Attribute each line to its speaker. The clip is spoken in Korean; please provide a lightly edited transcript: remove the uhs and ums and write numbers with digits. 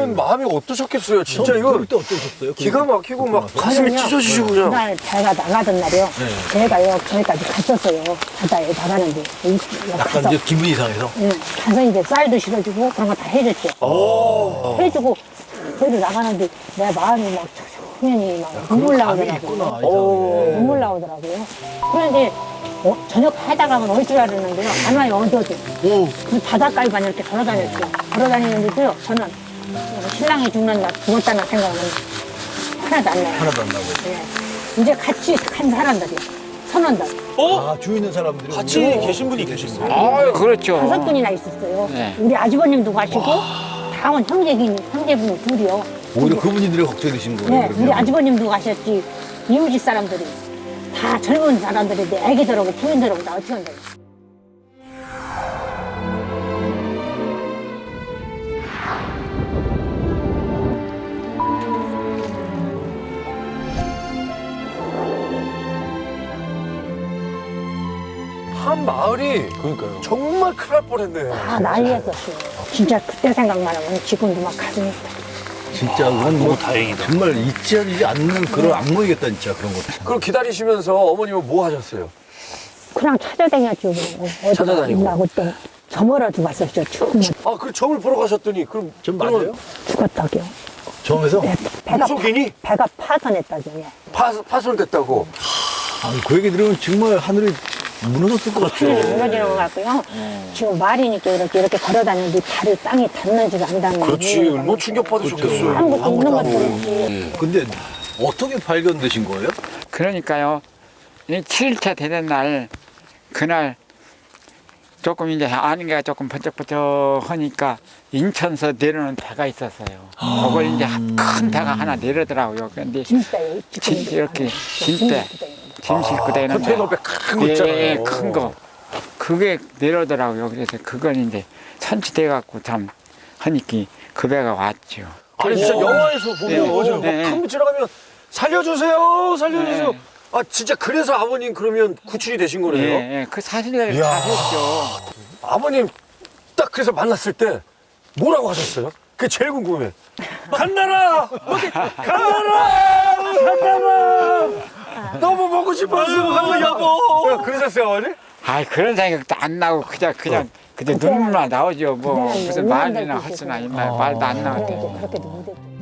Speaker 1: 그러면 마음이 어떠셨겠어요? 진짜 이거
Speaker 2: 그때 어떠셨어요?
Speaker 1: 기가 막히고 막 가슴이 찢어지시고 그냥.
Speaker 3: 그날 배가 나가던 날이요. 배가요 저기까지 갔었어요. 바다에 나가는데
Speaker 2: 약간 이제 기분이 이상해서.
Speaker 3: 예, 가서 이제 쌀도 실어주고 그런 거 다 해줬죠. 해주고 거기로 나가는데 내 마음이 막 초면이 막 눈물 나오더라고요. 눈물 나오더라고요. 그런데 저녁 하다 가면 올 줄 알았는데요. 안 와요, 어디어도. 그 바닷가에만 이렇게 걸어다녔죠. 걸어다니는데도요, 저는 신랑이 죽는 날 죽었다는 생각은 하나도 안 나요.
Speaker 2: 하나도 안 나고.
Speaker 3: 예. 이제 같이 간 사람들이, 선원들.
Speaker 2: 아, 주위 있는 사람들이.
Speaker 1: 같이 계신 분이 계셨어요.
Speaker 4: 아, 그렇죠.
Speaker 3: 5분이나 있었어요.
Speaker 4: 네.
Speaker 3: 우리 아주버님도 가시고, 다온 형제분이 둘이요.
Speaker 2: 오히려 그분들이 걱정이 되신 거예요.
Speaker 3: 네,
Speaker 2: 그러면?
Speaker 3: 우리 아주버님도 가셨지. 이웃집 사람들이. 다 젊은 사람들이 내 애기들하고 부인들하고 다 어떻게 한다.
Speaker 1: 한 마을이
Speaker 2: 그러니까요.
Speaker 1: 정말 큰일 날 뻔했네.
Speaker 3: 다 난리였었어요. 진짜 그때 생각만 하면 지금도 막 가슴이
Speaker 2: 진짜 그건 뭐 다행이다. 정말 잊지 않는 그런 악몽이겠다, 진짜 그런 것도.
Speaker 1: 그럼 기다리시면서 어머님은 뭐 하셨어요?
Speaker 3: 그냥 찾아다녔죠. 어디
Speaker 1: 찾아다니고.
Speaker 3: 있나 그때 저물어 죽었었죠. 죽으면
Speaker 1: 아, 그 점을 보러 가셨더니 그럼
Speaker 2: 좀 맞아요?
Speaker 3: 죽었다고요.
Speaker 2: 처음에서?
Speaker 3: 네, 배가
Speaker 1: 무속이니?
Speaker 3: 배가 파손했다고요.
Speaker 1: 파손됐다고.
Speaker 2: 아, 그 얘기 들으면 정말 하늘이 무너졌을 것 같아요.
Speaker 3: 무너지는 것 같고요. 지금 말이니까 이렇게 걸어다니는데 발이 땅에 닿는지도 안 닿는지.
Speaker 1: 그렇지. 얼마나 충격받으셨겠어요.
Speaker 3: 아무것도 없는 것도 없지.
Speaker 2: 근데 어떻게 발견되신 거예요?
Speaker 4: 그러니까요. 이 7일차 되는 날, 그날 조금 이제 아는 게 조금 번쩍번쩍하니까 인천서 내려오는 배가 있었어요. 그걸 이제 큰 배가 하나 내려더라고요. 그런데
Speaker 3: 진짜요.
Speaker 4: 이렇게 진배, 짐 싣고 다니는
Speaker 1: 컨테이너 배 큰 거 있잖아요.
Speaker 4: 예, 큰 거. 그게 내려오더라고요. 그래서 그건 이제 선취돼갖고 참 하니까 그 배가 왔죠.
Speaker 1: 아니 진짜 영화에서 보면
Speaker 4: 네,
Speaker 1: 맞아요.
Speaker 4: 네.
Speaker 1: 큰 배 지나가면 살려주세요, 살려주세요.
Speaker 4: 네.
Speaker 1: 아 진짜 그래서 아버님 그러면 구출이 되신
Speaker 4: 예,
Speaker 1: 거네요.
Speaker 4: 예, 그 사실을
Speaker 1: 이야.
Speaker 4: 다 했죠.
Speaker 1: 아버님 딱 그래서 만났을 때 뭐라고 하셨어요? 그게 제일 궁금해. 간나라, 어디 간나라, 간나라. 너무 보고 싶었어, 간나 여보. 그러셨어요, 어머니?
Speaker 4: 아이 그런 생각도 안 나고 그냥 눈물만 나오죠. 뭐 무슨 말이나 할 수나 있나 말도 안 나오죠.
Speaker 3: 그렇게도 못했죠.